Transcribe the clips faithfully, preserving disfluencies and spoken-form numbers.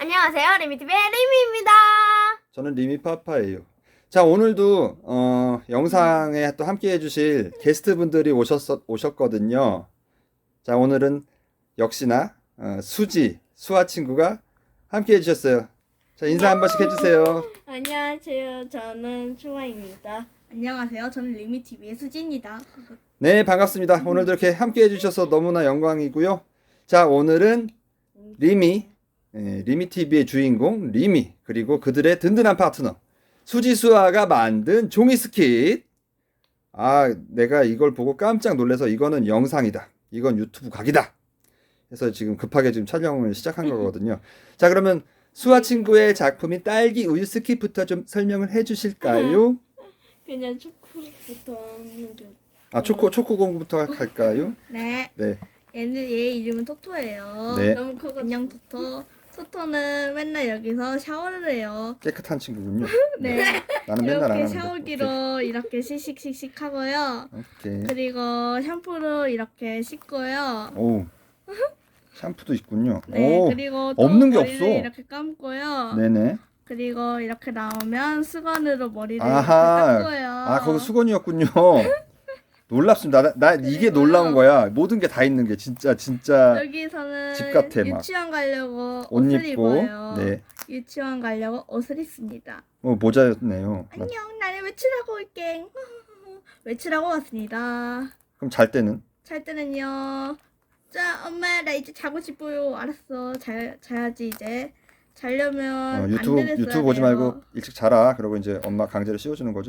안녕하세요. 리미티비의 리미입니다. 저는 리미파파예요. 자, 오늘도 어, 영상에 또 함께 해주실 게스트분들이 오셨, 오셨거든요. 자, 오늘은 역시나 어, 수지, 수아 친구가 함께 해주셨어요. 자, 인사 한 번씩 해주세요. 안녕하세요. 저는 수아입니다. 안녕하세요. 저는 리미티비의 수지입니다. 네, 반갑습니다. 오늘도 이렇게 함께 해주셔서 너무나 영광이고요. 자, 오늘은 리미, 예, 리미티비의 주인공 리미, 그리고 그들의 든든한 파트너 수지 수아가 만든 종이 스킷. 아, 내가 이걸 보고 깜짝 놀라서 이거는 영상이다, 이건 유튜브 각이다, 그래서 지금 급하게 지금 촬영을 시작한 거거든요. 자, 그러면 수아 친구의 작품인 딸기 우유 스킷부터 좀 설명을 해주실까요? 그냥 초코부터 하는 게. 아, 초코 초코 공부부터 할까요? 네. 네, 얘는 얘 이름은 토토예요. 네. 너무 커가지고. 안녕 토토. 토토는 맨날 여기서 샤워를 해요. 깨끗한 친구군요. 네. 나는 맨날 안 이렇게 하는데. 샤워기로 이렇게 씩씩씩씩 하고요. 오케이. 오케이. 그리고 샴푸로 이렇게 씻고요. 오, 샴푸도 있군요. 네. 오, 그리고 또 없는 게 머리를 없어. 이렇게 감고요. 네네. 그리고 이렇게 나오면 수건으로 머리를 아하. 이렇게 닦고요. 아, 거기 수건이었군요. 놀랍습니다. 나, 나 이게 놀라운 거야. 모든 게 다 있는 게 진짜 진짜 여기서는 집 같아, 막. 유치원 가려고 옷 옷을 입고. 입어요. 네. 유치원 가려고 옷을 입습니다. 어, 모자였네요. 나- 안녕, 나는 외출하고 올게. 외출하고 왔습니다. 그럼 잘 때는? 잘 때는요. 자, 엄마 나 이제 자고 싶어요. 알았어, 자, 자야지 이제. 자려면 어, 유튜브 안대를 써야 유튜브 보지 돼요. 말고 일찍 자라. 그러고 이제 엄마 강제로 씌워주는 거죠.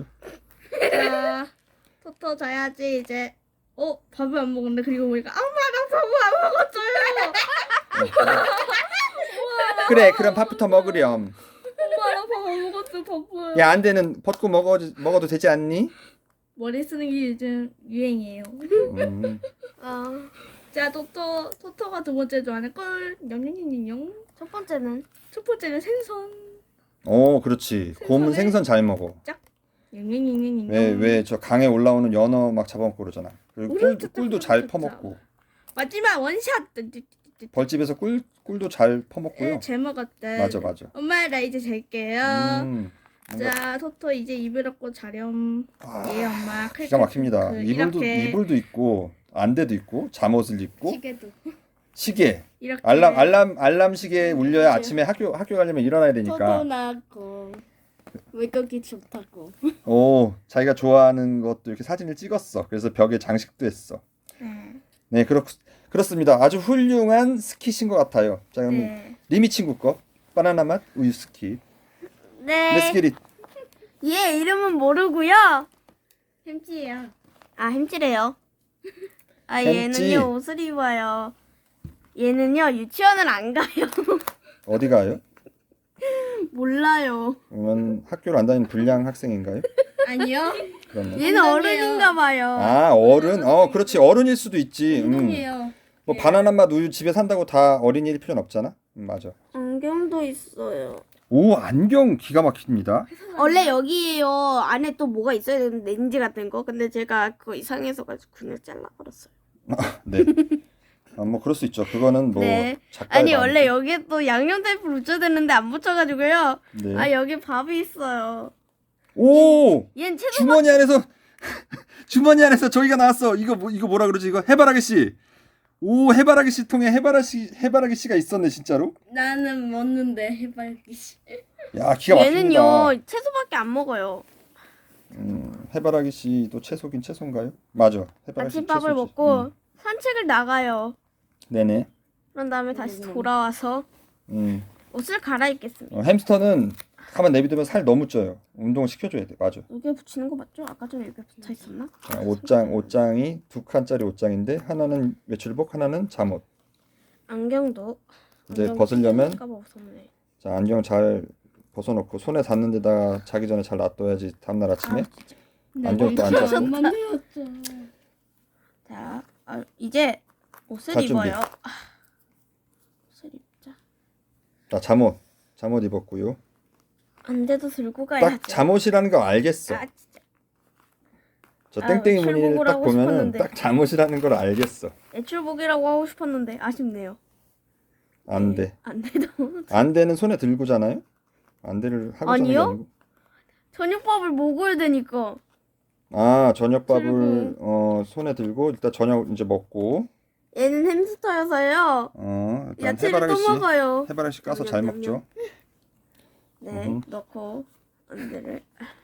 자, 토토 자야지 이제. 어, 밥을 안 먹었네. 그리고 보니까 엄마 나 밥을 안 먹었어요. 그래, 그럼 밥부터 먹으렴. 엄마 나 밥 안 먹었어. 밥을. 야, 안 되는 벗고 먹어 먹어도 되지 않니? 머리 쓰는 게 요즘 유행이에요. 음. 아, 자, 토토, 토토가 두 번째 좋아하는 꿀. 냠냠냠냠. 첫 번째는 첫 번째는 생선. 오, 그렇지. 곰은 생선에- 생선 잘 먹어. 냠냠냠냠냠. 왜 왜 저 강에 올라오는 연어 막 잡아먹고 그러잖아. 그리고 꿀, 우르르 꿀도 잘 뜯어 퍼먹고. 마지막 원샷. 벌집에서 꿀 꿀도 잘 퍼먹고요. 잘 먹었대. 맞아, 맞아. 엄마 나 이제 잘게요. 음, 뭔가 자, 토토 이제 이불 엎고 자렴. 아, 예, 엄마. 기가 막힙니다. 그, 이불도 이렇게 이불도 있고 안대도 있고 잠옷을 입고 시계도 시계, 이렇게 알람 알람 알람 시계 울려야 아침에 학교 학교 가려면 일어나야 되니까. 토토나고 외국이 좋다고. 오, 자기가 좋아하는 것도 이렇게 사진을 찍었어. 그래서 벽에 장식도 했어. 네. 네, 그렇 그렇습니다. 아주 훌륭한 스킷인 것 같아요. 자, 그럼 네. 리미 친구 거 바나나 맛 우유 스킷. 네. Let's get it. 얘 이름은 모르고요. 햄찌예요. 아, 햄찌래요. 아, 햄찌. 얘는요 옷을 입어요. 얘는요 유치원을 안 가요. 어디 가요? 몰라요. 그러면 학교를 안 다니는 불량 학생인가요? 아니요. 그러면 얘는 엉덩이에요. 어른인가 봐요. 아, 어른. 어, 그렇지. 어른일 수도 있지. 음. 운동이에요. 뭐 바나나 맛 우유 집에 산다고 다 어린이일 필요는 없잖아. 음, 맞아. 안경도 있어요. 오, 안경 기가 막힙니다. 원래 여기에요 안에 또 뭐가 있어야 되는데 렌즈 같은 거. 근데 제가 그거 이상해서 가지고 그냥 잘라버렸어요. 네. 아, 뭐 그럴 수 있죠. 그거는 뭐 네. 작가의 아니 마음이죠. 원래 여기에 또 양념 테이프 붙여야 되는데 안 붙여가지고요. 네. 아 여기 밥이 있어요. 오! 얘는 채소 주머니 안에서 주머니 안에서 저기가 나왔어. 이거 뭐 이거 뭐라 그러지? 이거 해바라기 씨. 오, 해바라기 씨 통에 해바라기 해바라기 씨가 있었네, 진짜로. 나는 먹는데 해발기 씨. 야, 기가 막힙니다. 얘는요 채소밖에 안 먹어요. 음, 해바라기 씨도 채소긴 채소인가요? 맞아. 해바라기 씨 아침밥을 채소지. 먹고 음. 산책을 나가요. 네네. 그런 다음에 다시 돌아와서 음. 옷을 갈아입겠습니다. 어, 햄스터는 가만 내비두면 살 너무 쪄요. 운동을 시켜줘야 돼. 맞아. 여기에 붙이는 거 맞죠? 아까 전에 여기 붙어 있었나? 자, 옷장 옷장이 두 칸짜리 옷장인데 하나는 외출복, 하나는 잠옷. 안경도. 이제 안경 벗으려면 끼니까 벗었네. 자, 안경 잘 벗어놓고 손에 닿는 데다가 자기 전에 잘 놔둬야지 다음날 아침에. 안경도 안 짰고. 안 만들었죠. 자, 아, 이제 옷을 자, 준비. 입어요. 아, 옷을 입자. 자, 잠옷 잠옷 입었고요. 안대도 들고 가야죠. 딱 잠옷이라는 거 알겠어. 아, 진짜. 저 아유, 땡땡이 무늬를 출국을 딱 하고 보면은 싶었는데. 딱 잠옷이라는 걸 알겠어. 애출복이라고 하고 싶었는데 아쉽네요. 안대. 안돼도. 안대는 손에 들고잖아요. 안대를 하고 자는 게 아니요? 아니고. 저녁밥을 먹어야 되니까. 아, 저녁밥을 들고. 어, 손에 들고 일단 저녁 이제 먹고 얘는 햄스터여서요. 어, 일단 야채를 해바라기 또 씨 먹어요. 해바라기 씨 까서 잘 냠냠냠냠. 먹죠. 네, 음. 넣고 안대를.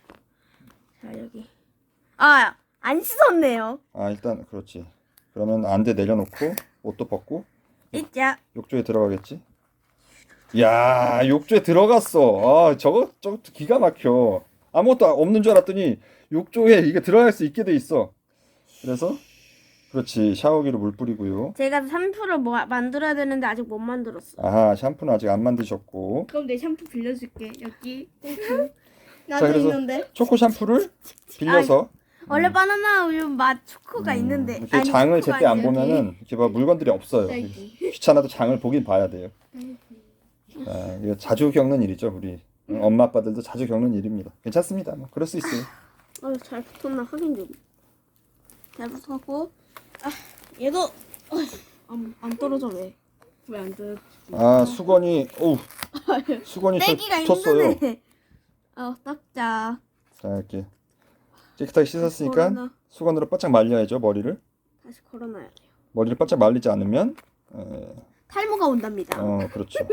자 여기. 아, 안 씻었네요. 아, 일단 그렇지. 그러면 안대 내려놓고 옷도 벗고 이자. 욕조에 들어가겠지. 야, 욕조에 들어갔어. 아, 저거 저거 기가 막혀. 아무것도 없는 줄 알았더니 욕조에 이게 들어갈 수 있게 돼 있어. 그래서 그렇지. 샤워기로 물 뿌리고요. 제가 샴푸를 뭐 만들어야 되는데 아직 못 만들었어. 아하, 샴푸는 아직 안 만드셨고 그럼 내 샴푸 빌려줄게. 여기. 자, 나도 그래서 있는데. 초코 샴푸를 빌려서 원래 바나나 우유 맛 초코가 음, 있는데 이렇게 아니, 장을 초코가 제때 안 아니라 보면은 이렇게 막 물건들이 없어요. 딸기. 귀찮아도 장을 보긴 봐야 돼요. 자, 이거 자주 겪는 일이죠, 우리 엄마 아빠들도 자주 겪는 일입니다. 괜찮습니다. 뭐 그럴 수 있어요. 어, 잘 붙었나 확인 좀. 잘 붙었고. 아, 얘도 어, 안, 안 떨어져 왜? 왜 안 돼? 아, 수건이 어우, 수건이 저 떼기가 붙었어요. 힘드네. 어, 닦자. 자, 이렇게 깨끗하게 씻었으니까 걸어놔. 수건으로 바짝 말려야죠, 머리를. 다시 걸어놔야 돼요. 머리를 바짝 말리지 않으면 에, 탈모가 온답니다. 어, 그렇죠.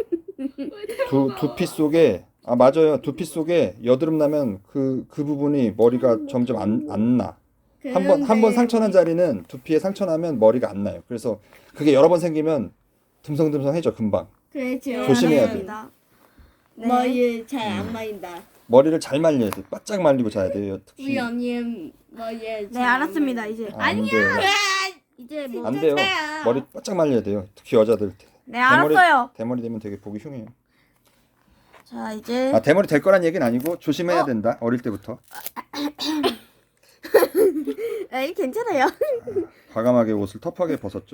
두 두피 속에 아 맞아요. 두피 속에 여드름 나면 그 그 부분이 머리가 점점 안 안 나. 한 번 한 번 상처 난 자리는 두피에 상처 나면 머리가 안 나요. 그래서 그게 여러 번 생기면 듬성듬성해져 금방. 그래, 지금. 조심해야 돼. 네. 머리 잘안 말린다. 머리를 잘 말려야 돼. 바짝 말리고 자야 돼요. 특히 우리 언니 머리. 네, 알았습니다. 이제. 아, 안 돼요. 이제 뭐. 안 돼요. 진짜야. 머리 바짝 말려야 돼요. 특히 여자들 네, 대머리- 알았어요. 대머리 되면 되게 보기 흉해요. 자, 이제 아 대머리 될 거란 얘기는 아니고 조심해야 어? 된다. 어릴 때부터 에이, 괜찮아요. 과감하게 옷을 터프하게 벗었죠.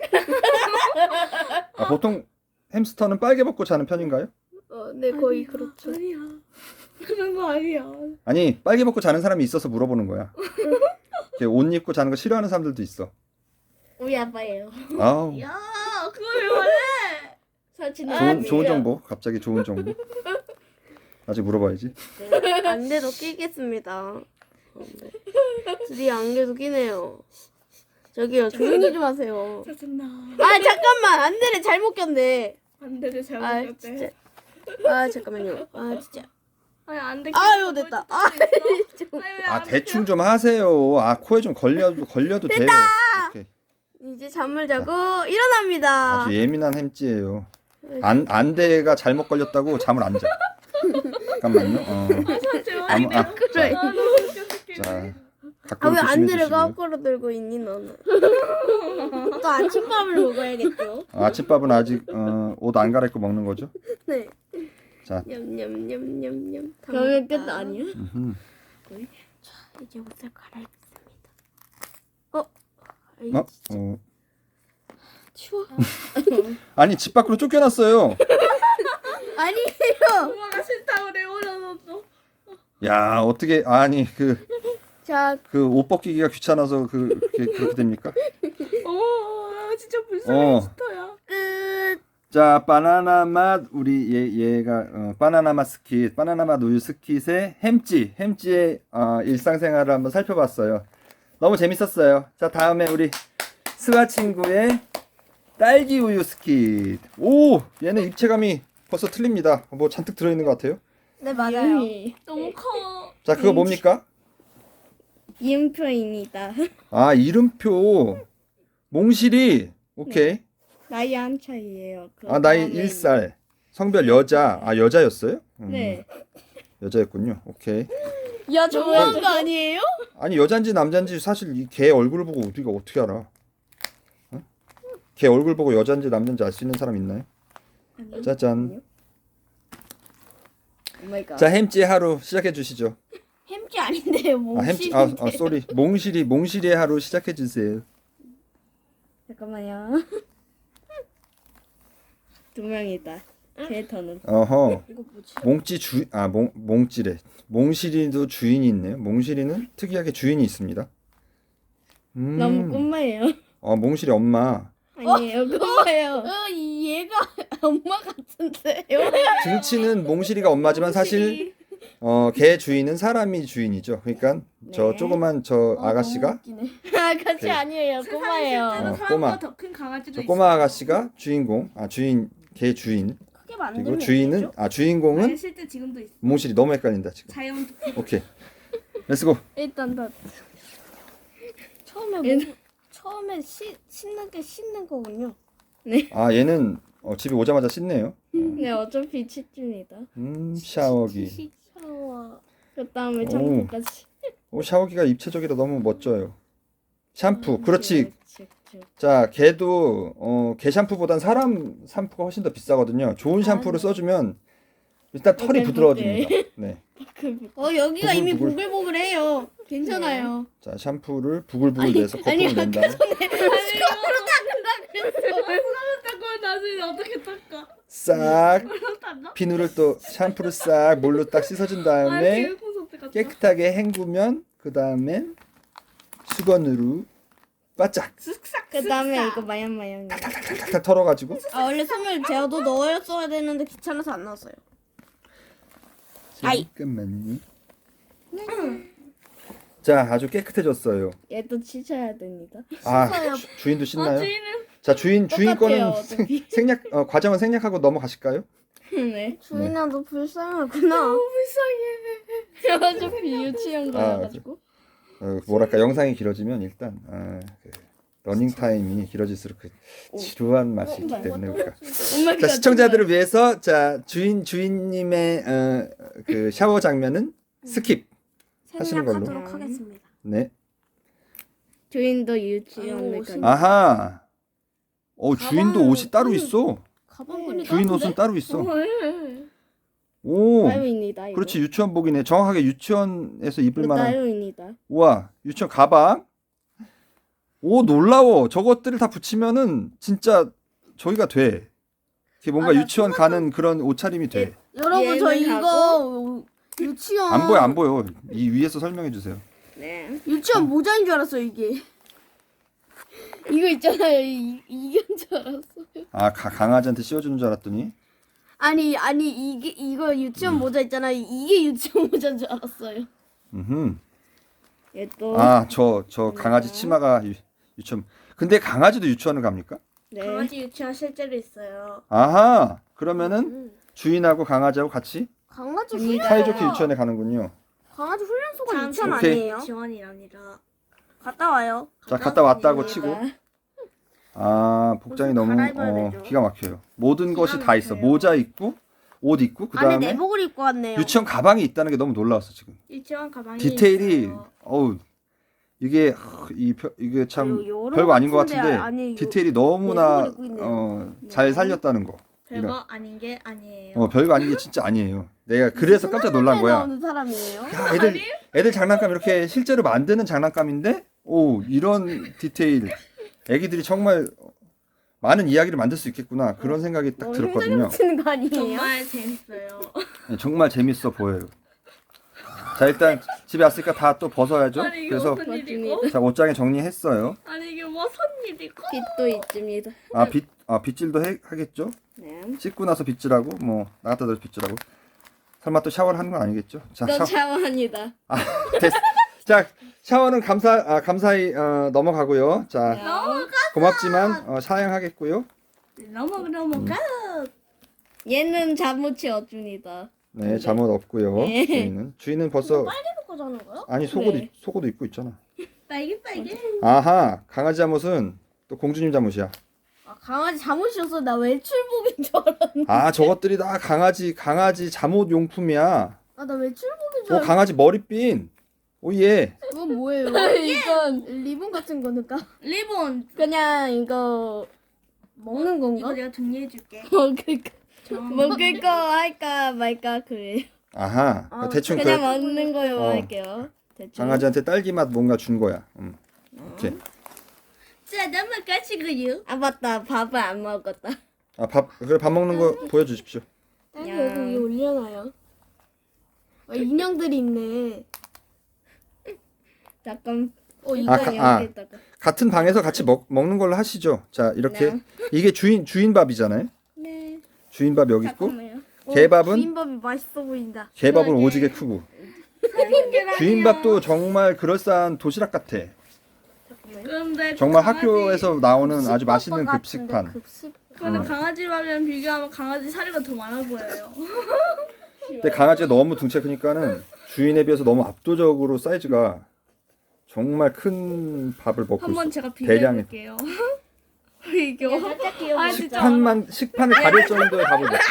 아, 보통 햄스터는 빨개 벗고 자는 편인가요? 어, 네, 거의 그렇죠. 아니야. 그런 거 아니야. 아니 빨개 벗고 자는 사람이 있어서 물어보는 거야. 이렇게 옷 입고 자는 거 싫어하는 사람들도 있어. 우리 아빠예요. 아우 야, 그걸 왜 말해? 사진 좋은 좋은 정보. 갑자기 좋은 정보. 아직 물어봐야지. 네, 안대도 끼겠습니다. 어, 네. 드디어 안개도 끼네요. 저기요, 조용히 좀 하세요. 짜증나. 아, 잠깐만, 안대를 잘못 꼈네. 안대를 아, 잘못 진짜. 꼈대. 아, 잠깐만요. 아, 진짜. 아니 안대. 아유, 됐다. 아, 좀. 아 대충 좀 하세요. 아 코에 좀 걸려도 걸려도 돼요. 이렇게. 이제 잠을 자고 일어납니다. 아주 예민한 햄찌예요. 안 안대가 잘못 걸렸다고 잠을 안 자. 잠깐만요. 어. 아무- 아, 그래. 자 아, 가끔 왜 조심해 안대를 주시고요. 거꾸로 들고 있니, 너는? 또 아침밥을 먹어야겠죠? 아침밥은 아직 어, 옷 안 갈아입고 먹는 거죠? 네. 자. 냠냠냠냠냠. 그러면 끝 아니야? 음흠. 이제 옷을 갈아입습니다. 어? 아이, 어? 어. 추워. 아니 집 밖으로 쫓겨났어요. 아니에요. 엄마가 싫다고 내버려뒀어. 야 어떻게 아니 그 자, 그 옷 벗기기가 귀찮아서 그 그렇게, 그렇게 됩니까? 어, 진짜 불쌍해. 어. 싫어요. 끝. 자 바나나 맛 우리 얘 얘가 어, 바나나 맛 스킷 바나나 맛 우유 스킷의 햄찌 햄찌의 어, 일상생활을 한번 살펴봤어요. 너무 재밌었어요. 자 다음에 우리 스와 친구의 딸기 우유 스킷. 오 얘는 입체감이 벌써 틀립니다. 뭐 잔뜩 들어있는 것 같아요. 네, 맞아요. 너무 커. 자 그거 뭡니까? 이음표입니다. 아 이름표 몽실이 오케이. 나이 한 차이예요. 그 아 나이 다음에 일 살 성별 여자. 아 여자였어요? 음, 네. 여자였군요. 오케이. 야, 좋아한 거 아니에요? 아니 여잔지 남잔지 사실 이 개 얼굴을 보고 우리가 어떻게 알아? 어? 개 얼굴 보고 여잔지 남잔지 알 수 있는 사람 있나요? 짜잔. 오마이갓. 자 햄찌 하루 시작해 주시죠. 햄찌 아닌데요, 아 햄찌 아, 아 쏘리 몽실이 몽실이의 하루 시작해 주세요. 잠깐만요. 두 명이다. 캐릭터는. 어허. 이거 뭐지? 몽찌 주아몽 몽찌래. 몽실이도 주인이 있네요. 몽실이는 특이하게 주인이 있습니다. 음. 너무 꿈마예요. 어 몽실이 엄마. 아니에요. 꿈마예요. 어, 얘 얘가 엄마 같은데요? 등치는 몽실이가 엄마지만 사실 어, 개 주인은 사람이 주인이죠. 그러니까 저 네. 조그만 저 아가씨가 아가씨 그- 아니에요. 꼬마예요. 어, 어, 꼬마. 더큰 강아지도 저 꼬마 아가씨가 주인공, 아 주인 개 주인. 크게 만들면 그리고 주인은 아 주인공은 아니 실제 지금도 있어. 몽실이 너무 헷갈린다 지금. 자연 오케이. 렛츠고. 일단 다 처음에 뭐, 얘는- 처음에 씻, 씻는 게 씻는 거군요. 아 얘는 어, 집에 오자마자 씻네요. 네 어차피 치즈입니다. 음 샤워기. 샤워. 그 다음에 오. 샴푸까지. 오 샤워기가 입체적이라 너무 멋져요. 샴푸. 그렇지. 그렇지, 그렇지. 자, 걔도 어, 개 샴푸보단 사람 샴푸가 훨씬 더 비싸거든요. 좋은 샴푸를 써주면 일단 털이 오케이, 부드러워집니다. 네. 어 여기가 이미 부글부글. 보글보글해요. 괜찮아요. 자, 샴푸를 부글부글 내서 아니, 거꾸로 낸다. 닦고 나중에 어떻게 닦아? 싹 닦아? 비누를 또 샴푸를 싹 물로 딱 씻어준 다음에 깨끗하게 헹구면 그 다음에 수건으로 바짝 쓱싹. 그 다음에 이거 마염마염. 탁탁 털어가지고 아 원래 손을 제어도 넣었어야 되는데 귀찮아서 안 넣었어요. 아이. 잠깐만요. 자, 아주 깨끗해졌어요. 얘도 치셔야 됩니다. 아, 씻어요. 주- 주인도 씻나요? 주인은 자, 주인 주인 똑같아요, 거는 생, 어차피. 생략 어, 과정은 생략하고 넘어가실까요? 네. 주인아 너 불쌍하구나. 불쌍해. 어차피 유치원 아, 가가지고. 어, 뭐랄까 영상이 길어지면 일단 아, 그 러닝 타임이 길어질수록 그 지루한 맛이 있기 때문에 우리가 엄마 자 시청자들을 위해서 자 주인 주인님의 어, 그 샤워 장면은 스킵 하시는 걸로. 생략하도록 하겠습니다. 네. 주인도 유치원을 아이고, 가. 아하. 어 주인도 가방 옷이 따로 끈이- 있어. 가방끈이 주인 따뜻해? 옷은 따로 있어. 헐. 오. 따로입니다. 이거. 그렇지 유치원복이네. 정확하게 유치원에서 입을 이거 만한. 따로입니다. 우와 유치원 가방. 오 놀라워. 저것들을 다 붙이면은 진짜 저기가 돼. 이게 뭔가 아, 나 유치원 가는 그런 옷차림이 돼. 여러분 저 얘는 이거 유치원 안 보여 안 보여. 이 위에서 설명해 주세요. 네. 유치원 모자인 줄 알았어요 이게. 이거 있잖아요. 이, 이건 줄 알았어요. 아 가, 강아지한테 씌워주는 줄 알았더니 아니 아니 이게 이거 유치원 모자 있잖아. 이게 유치원 모자인 줄 알았어요. 음흠. 얘도. 아저 저 강아지 치마가 유, 유치원 근데 강아지도 유치원을 갑니까? 네. 강아지 유치원 실제로 있어요. 아하 그러면은 음. 주인하고 강아지하고 같이 강아지 갑니다. 훈련 사이좋게 유치원에 가는군요. 강아지 훈련소가 참, 유치원 오케이. 아니에요? 지원이 아니라. 갔다 와요. 자 갔다 왔다고 아닙니다. 치고 아 복장이 옷을 너무 갈아입어야 어, 되죠. 기가 막혀요. 모든 기가 것이 다 있어. 막혀요. 모자 있고 옷 있고 그 안에 다음에 내복을 입고 왔네요. 유치원 가방이 있다는 게 너무 놀라웠어 지금. 유치원 가방이 디테일이 있어요. 어우 이게 하, 이 표- 이게 참 요- 요런 별거 아닌 것 같은데 같은데 아니, 요- 디테일이 너무나 내복을 입고 있네요. 어, 잘 살렸다는 거. 별거 이런. 아닌 게 아니에요. 어 별거 아닌 게 진짜 아니에요. 내가 그래서 깜짝 놀란 거야. 나오는 사람이에요. 야, 애들 애들 장난감 이렇게 실제로 만드는 장난감인데 오 이런 디테일 애기들이 정말 많은 이야기를 만들 수 있겠구나 그런 생각이 딱 너무 들었거든요. 힘들어 거 아니에요? 정말 재밌어요. 네, 정말 재밌어 보여요. 자 일단 집에 왔으니까 다 또 벗어야죠. 아니 이게 그래서 무슨 일이고? 자 옷장에 정리했어요. 아니 이게 무슨 일이고? 빗도 있습니다. 아 빗, 아 빗질도 해, 하겠죠? 네. 씻고 나서 빗질하고 뭐 나갔다 들어서 빗질하고 설마 또 샤워를 하는 건 아니겠죠? 자, 또 샤워. 샤워합니다. 아, 됐어. 자 샤워는 감사 아, 감사히 어, 넘어가고요. 자 넘어가. 고맙지만 어, 사양하겠고요. 넘어가 넘어가. 얘는 잠옷이 어줍니다. 네 잠옷 없고요. 네. 주인은 주인은 벌써 이거 자는 거요? 아니 속옷 네. 입- 속옷도 입고 있잖아. 빨개 빨개. 아하 강아지 잠옷은 또 공주님 잠옷이야. 아, 강아지 잠옷이었어. 나 외출복인 줄 알았는데. 아 저것들이 다 강아지 강아지 잠옷 용품이야. 아, 나 외출복인 줄 오 알았어. 강아지 머리핀. 오예. 그건 뭐예요? 이건 리본 같은 거니까. 리본. 그냥 이거 먹는 건가? 이거 내가 정리해줄게. 먹을 거. 먹을 거 할까 말까 그래요. 아하 아, 대충 그냥 그 먹는 거요 어. 할게요. 대충. 강아지한테 딸기 맛 뭔가 준 거야. 음. 오케이. 자 넘어가시고요. 아 맞다 밥을 안 먹었다. 아밥 그래 밥 먹는 거 보여주십시오. 딸기 야. 여기 위에 올려놔요. 아, 인형들이 있네. 잠깐. 어, 이거 아, 가- 아. 여기다가. 같은 방에서 같이 먹 먹는 걸로 하시죠. 자 이렇게 네. 이게 주인 주인 밥이잖아요. 네. 주인밥 여기 있고 잠깐만요. 개밥은 비빔밥이 맛있어 보인다. 개밥은 그러게. 오지게 크고 주인밥도 정말 그럴싸한 도시락 같아. 그런데 정말 강아지- 학교에서 나오는 아주 급식밥 맛있는 같은데, 급식판. 급식. 그런데 어. 강아지 밥이랑 비교하면 강아지 사료가 더 많아 보여요. 근데 강아지가 너무 등치가 크니까는 주인에 비해서 너무 압도적으로 사이즈가 정말 큰 밥을 먹고 한번 있어. 제가 비교해 대량의 볼게요. 이거 아 진짜 식판만 식판을 가릴 정도의 밥을 먹고.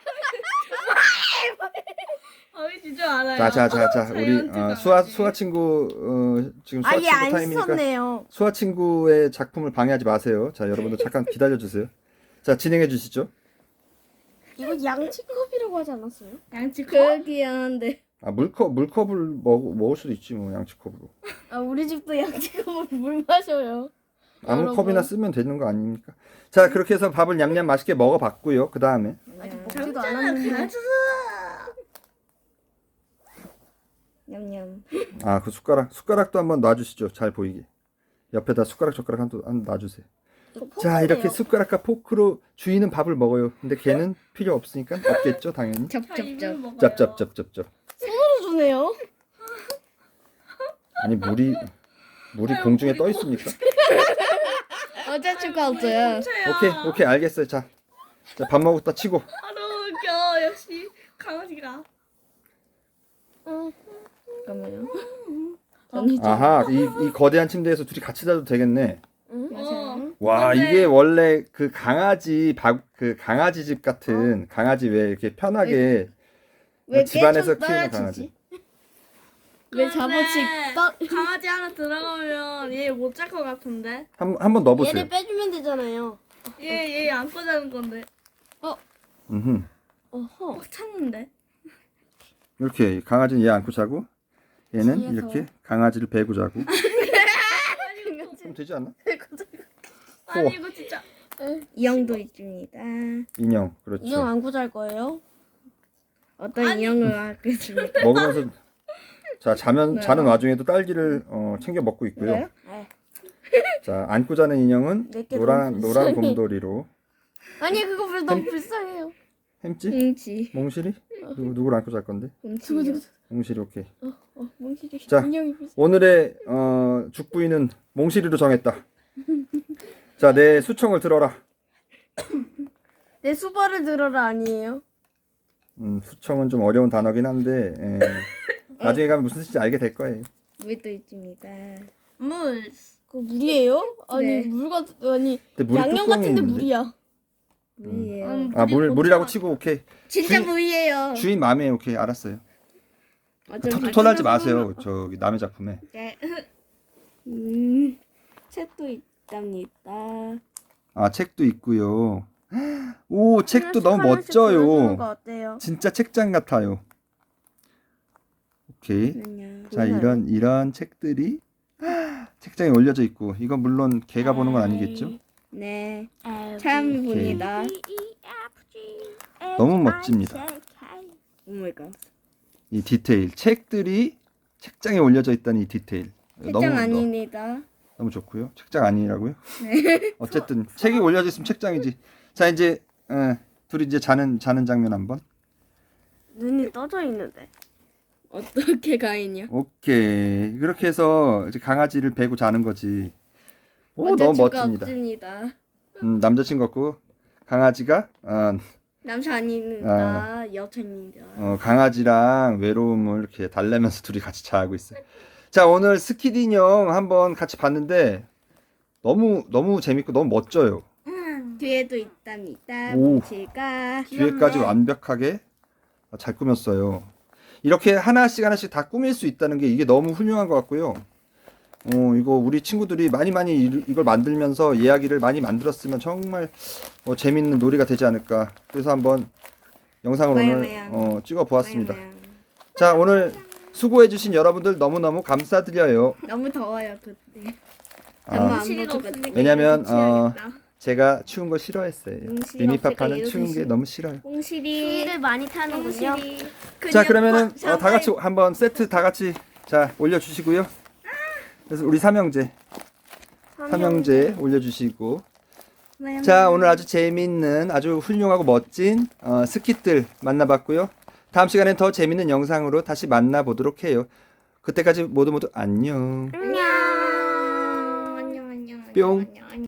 아 진짜 알아요. 자자자자 우리 자이언트 어, 강아지. 수아 수아 친구 어, 지금 수아 아예 친구 안 타임이니까 씻었네요. 수아 친구의 작품을 방해하지 마세요. 자 여러분들 잠깐 기다려 주세요. 자 진행해 주시죠. 이거 양치컵이라고 하지 않았어요? 양치 그렇긴 한데. 아 물컵 물컵을 먹 먹을 수도 있지 뭐 양치컵으로. 아 우리 집도 양치컵으로 물 마셔요. 아무 여러분. 컵이나 쓰면 되는 거 아닙니까? 자 그렇게 해서 밥을 냠냠 맛있게 먹어봤고요. 그 다음에 아직 네. 먹지도 않았는데. 냠냠. 아 그 숟가락 숟가락도 한번 놔주시죠. 잘 보이게 옆에다 숟가락 젓가락 한번 한 놔주세요. 자 이렇게 숟가락과 포크로 주인은 밥을 먹어요. 근데 걔는 필요 없으니까 없겠죠 당연히. 쩝쩝쩝. 짭짭짭짭짭. 주네요. 아니 물이 물이 공중에 떠 있습니까? 어제 축하했어요. 오케이 오케이 알겠어요. 자 자 밥 먹었다 치고 아 너무 웃겨. 역시 강아지가. 잠깐만요. 아하 이, 이 거대한 침대에서 둘이 같이 자도 되겠네. 어. 와 근데- 이게 원래 그 강아지 밥 그 강아지 집 같은 강아지 왜 이렇게 편하게 왜 집안에서 깨좀 키우는 떨어지지? 강아지. 왜 근데 잡아치 떠? 강아지 하나 들어가면 얘 못 잘 것 같은데. 한 한번 넣어보세요. 얘를 빼주면 되잖아요. 얘얘 안고 자는 건데. 음흠. 어허. 꽉 찼는데. 이렇게 강아지는 얘 안고 자고 얘는 뒤에서. 이렇게 강아지를 베고 자고. 그럼 되지 않나? 아니 이거 진짜. 인형도 있습니다. 인형 그렇죠. 인형 안고 잘 거예요? 어떤 아니. 인형을 하겠습니까? 먹으면서 자 자면 네. 자는 와중에도 딸기를 어, 챙겨 먹고 있고요. 네. 자 안고 자는 인형은 내게 노란 너무 노란 불쌍해. 곰돌이로 아니 그거 왜 너무 불쌍해요. 햄찌 뭉치. 몽실이 누구 누구를 안고 잘 건데? 뭉치. 몽실이 오케이. 어 뭉치. 자. 인형이 불쌍. 오늘의 어, 죽부인은 몽실이로 정했다. 자 내 수청을 들어라. 내 수발을 들어라 아니에요? 음, 수청은 좀 어려운 단어긴 한데 에, 나중에 가면 무슨 뜻인지 알게 될 거예요. 물도 있습니다. 물. 그 물이에요? 아니 네. 물 같 아니 근데 물이 양념 뚜껑이 같은데 있는데? 물이야. 물이에요. 아 물 물이라고 치고 오케이. 진짜 주인- 물이에요. 주인 마음에 오케이 알았어요. 어차피 토, 토날지 마세요. 저기 남의 작품에. 네. 음, 책도 있답니다. 아 책도 있고요. 오 책도 너무 하나씩 골라주는 거 멋져요. 어때요? 진짜 책장 같아요. 오케이. 그냥. 자 이런 이런 책들이 책장에 올려져 있고 이건 물론 걔가 보는 건 아니겠죠? 네. 참 봅니다. 너무 멋집니다. 오 마이 갓. 이 디테일 책들이 책장에 올려져 있다는 이 디테일 책장 너무 아닙니다. 너무 좋고요. 책장 아니라고요? 어쨌든 책이 올려져 있으면 책장이지. 자 이제 에, 둘이 이제 자는 자는 장면 한번. 눈이 떠져 있는데. 어떻게 가인이요? 오케이 그렇게 해서 이제 강아지를 베고 자는 거지. 오 너무 어쩔 수가 멋집니다. 없습니다. 음, 남자친구 같고 강아지가 어, 남자 아닙니다. 여자입니다. 어, 강아지랑 외로움을 이렇게 달래면서 둘이 같이 자고 있어요. 자 오늘 스키드 인형 한번 같이 봤는데 너무 너무 재밌고 너무 멋져요. 뒤에도 있답니다. 오. 뭉치가. 뒤에까지 완벽하게 잘 꾸몄어요. 이렇게 하나씩 하나씩 다 꾸밀 수 있다는 게 이게 너무 훌륭한 것 같고요. 어, 이거 우리 친구들이 많이 많이 이- 이걸 만들면서 이야기를 많이 만들었으면 정말 어, 재밌는 놀이가 되지 않을까. 그래서 한번 영상을 오늘 와요, 어, 찍어 보았습니다. 자 오늘 수고해주신 여러분들 너무너무 감사드려요. 너무 더워요 그때. 아, 엄마 안 뭉치리가 보고 없으니까 왜냐면, 이거 어, 붙여야겠다. 제가 추운 거 싫어했어요. 뭉실이 미니파파는 없으니까 추운 게 이러듯이. 너무 싫어요. 꽁실이. 추위를 많이 타는군요. 자 그러면은 어, 다 같이 한번 세트 다 같이 자 올려주시고요. 그래서 우리 삼형제 삼형제 올려주시고 네. 자, 오늘 아주 재미있는 아주 훌륭하고 멋진 어, 스킷들 만나봤고요. 다음 시간엔 더 재미있는 영상으로 다시 만나보도록 해요. 그때까지 모두 모두 안녕. 안녕. 안녕 안녕. 뿅. 안녕, 안녕.